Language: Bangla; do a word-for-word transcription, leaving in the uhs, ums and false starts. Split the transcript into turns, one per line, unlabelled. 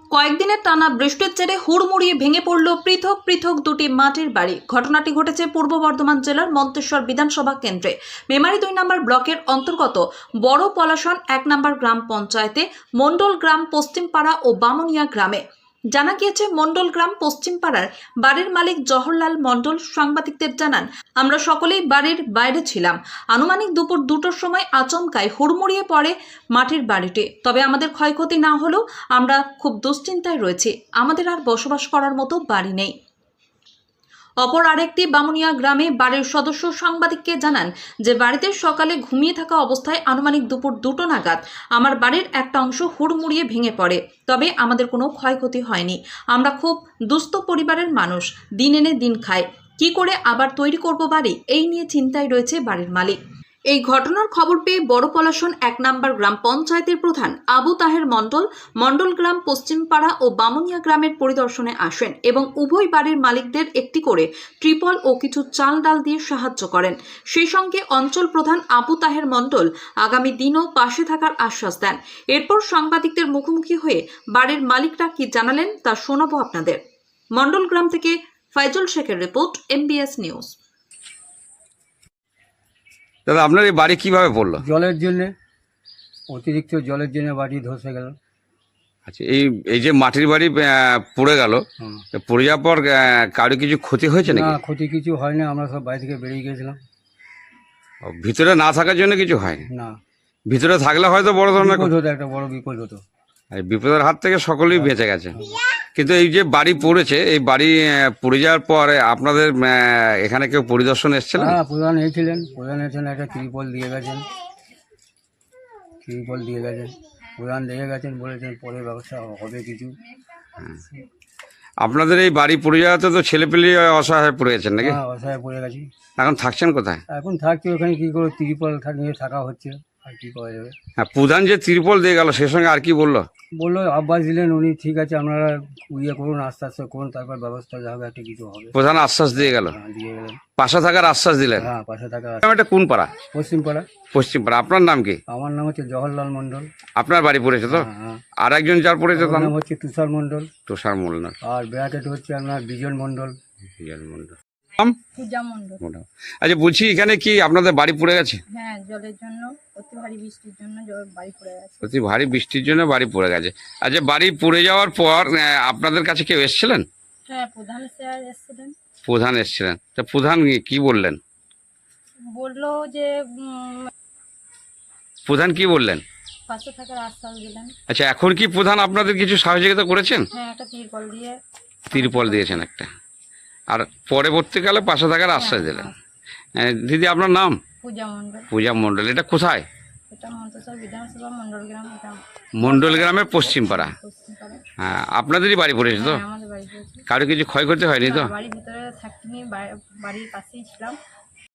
কয়েকদিনের টানা বৃষ্টির জেরে হুড়মুড়িয়ে ভেঙে পড়ল পৃথক পৃথক দুটি মাটির বাড়ি। ঘটনাটি ঘটেছে পূর্ব বর্ধমান জেলার মন্তেশ্বর বিধানসভা কেন্দ্রে মেমারি দুই নম্বর ব্লকের অন্তর্গত বড় পলাশন এক নম্বর গ্রাম পঞ্চায়েতে মন্ডল গ্রাম পশ্চিমপাড়া ও বামুনিয়া গ্রামে। জানা গিয়েছে, মন্ডল গ্রাম পশ্চিমপাড়ার বাড়ির মালিক জওহরলাল মন্ডল সাংবাদিকদের জানান, আমরা সকলেই বাড়ির বাইরে ছিলাম। আনুমানিক দুপুর দুটোর সময় আচমকায় হুড়মুড়িয়ে পড়ে মাটির বাড়িটি। তবে আমাদের ক্ষয়ক্ষতি না হলেও আমরা খুব দুশ্চিন্তায় রয়েছি, আমাদের আর বসবাস করার মতো বাড়ি নেই। অপর আরেকটি বামুনিয়া গ্রামে বাড়ির সদস্য সাংবাদিককে জানান যে বাড়িতে সকালে ঘুমিয়ে থাকা অবস্থায় আনুমানিক দুপুর দুটো নাগাদ আমার বাড়ির একটা অংশ হুড়মুড়িয়ে ভেঙে পড়ে। তবে আমাদের কোনো ক্ষয়ক্ষতি হয়নি। আমরা খুব দুস্থ পরিবারের মানুষ, দিন এনে দিন খায়, কি করে আবার তৈরি করব বাড়ি, এই নিয়ে চিন্তায় রয়েছে বাড়ির মালিক। এই ঘটনার খবর পেয়ে বড় পলাশন এক নম্বর গ্রাম পঞ্চায়েতের প্রধান আবু তাহের মন্ডল মন্ডল গ্রাম পশ্চিমপাড়া ও বামুনিয়া গ্রামের পরিদর্শনে আসেন এবং উভয় বাড়ির মালিকদের একটি করে ত্রিপল ও কিছু চাল ডাল দিয়ে সাহায্য করেন। সেই সঙ্গে অঞ্চল প্রধান আবু তাহের মন্ডল আগামী দিনও পাশে থাকার আশ্বাস দেন। এরপর সাংবাদিকদের মুখোমুখি হয়ে বাড়ির মালিকরা কি জানালেন তা শোনাবো আপনাদের। মন্ডল গ্রাম থেকে ফাইজুল শেখের রিপোর্ট, এমবিএস নিউজ।
দাদা, আপনার এই বাড়ি কিভাবে পড়লো?
জলের জন্য, অতিরিক্ত জলের জন্য বাড়ি ধসে গেল।
আচ্ছা, এই এই যে মাটির বাড়ি আহ, পড়ে গেল, পড়ে যাওয়ার পর আহ, কারো কিছু ক্ষতি হয়েছে নাকি?
না, ক্ষতি কিছু হয়নি, আমরা সব বাড়ি থেকে বেরিয়ে গেছিলাম।
ও, ভিতরে না থাকার জন্য কিছু হয়নি?
না,
ভিতরে থাকলে হয়তো বড় ধরনের
বিপদ হতো, একটা বড় বিপদ হতো।
এই বিপদের হাত থেকে সকলেই বেঁচে গেছে। কিন্তু এই যে বাড়ি পড়েছে, এই বাড়ি আহ, পড়ে যাওয়ার পর আপনাদের আহ, এখানে কেউ পরিদর্শন এসেছিলেন?
হ্যাঁ, প্রধান এসেছিলেন, প্রধান এসেছেন, একটা ত্রিপল দিয়ে গেছেন, ত্রিপল দিয়ে গেছেন, প্রধান দেখে গেছেন, বলেছেন পরে ব্যবস্থা হবে কিছু।
আপনাদের এই বাড়ি পড়ে যাওয়াতে তো ছেলেপেলে অসহায় পড়ে গেছেন নাকি?
হ্যাঁ, অসহায় পড়ে গেছি।
এখন থাকছেন কোথায়?
এখন থাকছি ওখানে, কি করে ত্রিপল নিয়ে থাকা হচ্ছে, আর কি করা যাবে।
হ্যাঁ, প্রধান যে ত্রিপল দিয়ে গেল সে সঙ্গে আর কি বললো?
বললো আব্বাস দিলেন উনি, ঠিক আছে আপনারা ইয়ে করুন, আস্তে আস্তে করুন, তারপর ব্যবস্থা যা হবে একটা কিছু হবে।
প্রধান আশ্বাস দিয়ে গেল,
হ্যাঁ, দিয়ে গেলেন,
পাশে থাকার আশ্বাস দিলেন।
হ্যাঁ, পাশে থাকা।
এটা কোন পাড়া?
পশ্চিমপাড়া।
পশ্চিমপাড়া। আপনার নাম কি?
আমার নাম হচ্ছে জওহরলাল মন্ডল।
আপনার বাড়ি পড়েছে তো?
হ্যাঁ।
আর একজন যার পড়েছে তার
নাম
নাম
হচ্ছে তুষার মন্ডল।
তুষার মন্ডল।
আর ব্যাকেট হচ্ছে আপনার বিজন মন্ডল।
বিজন মন্ডল।
পূজা মণ্ডল।
আচ্ছা, বলছি এখানে কি আপনাদের বাড়ি পড়ে গেছে?
হ্যাঁ, জলের জন্য, অতি ভারী বৃষ্টির জন্য জল বাড়ি পড়ে গেছে।
অতি ভারী বৃষ্টির জন্য বাড়ি পড়ে গেছে। আচ্ছা, বাড়ি পড়ে যাওয়ার পর আহ, আপনাদের কাছে কেউ এসেছিলেন?
হ্যাঁ, প্রধান স্যার এসেছিলেন।
প্রধান এসেছিলেন, তা প্রধান কি বললেন?
বললো যে উম,
প্রধান কি বললেন?
পাশে থাকার আশ্বাস দিলেন।
আচ্ছা, এখন কি প্রধান আপনাদের কিছু সহযোগিতা করেছেন?
হ্যাঁ, একটা তিরপল দিয়ে।
তিরপল দিয়েছেন একটা, আর পরবর্তীকালে পাশে থাকার আশ্বাস দিলেন। আহ, দিদি, আপনার নাম?
পূজা মণ্ডল।
পূজা মণ্ডল। এটা কোথায়?
এটা মন্তেশ্বর বিধানসভা মন্ডল গ্রাম। এটা
মণ্ডল গ্রামের পশ্চিমপাড়া।
পশ্চিমপাড়া।
হ্যাঁ, আপনাদেরই বাড়ি পড়েছে তো?
হ্যাঁ, আমাদের বাড়ি পড়েছে।
কারো কিছু ক্ষয়ক্ষতি হয়নি তো?
না, বাড়ির ভিতরে থাকিনি, বাড়ি- বাড়ির পাশেই ছিলাম।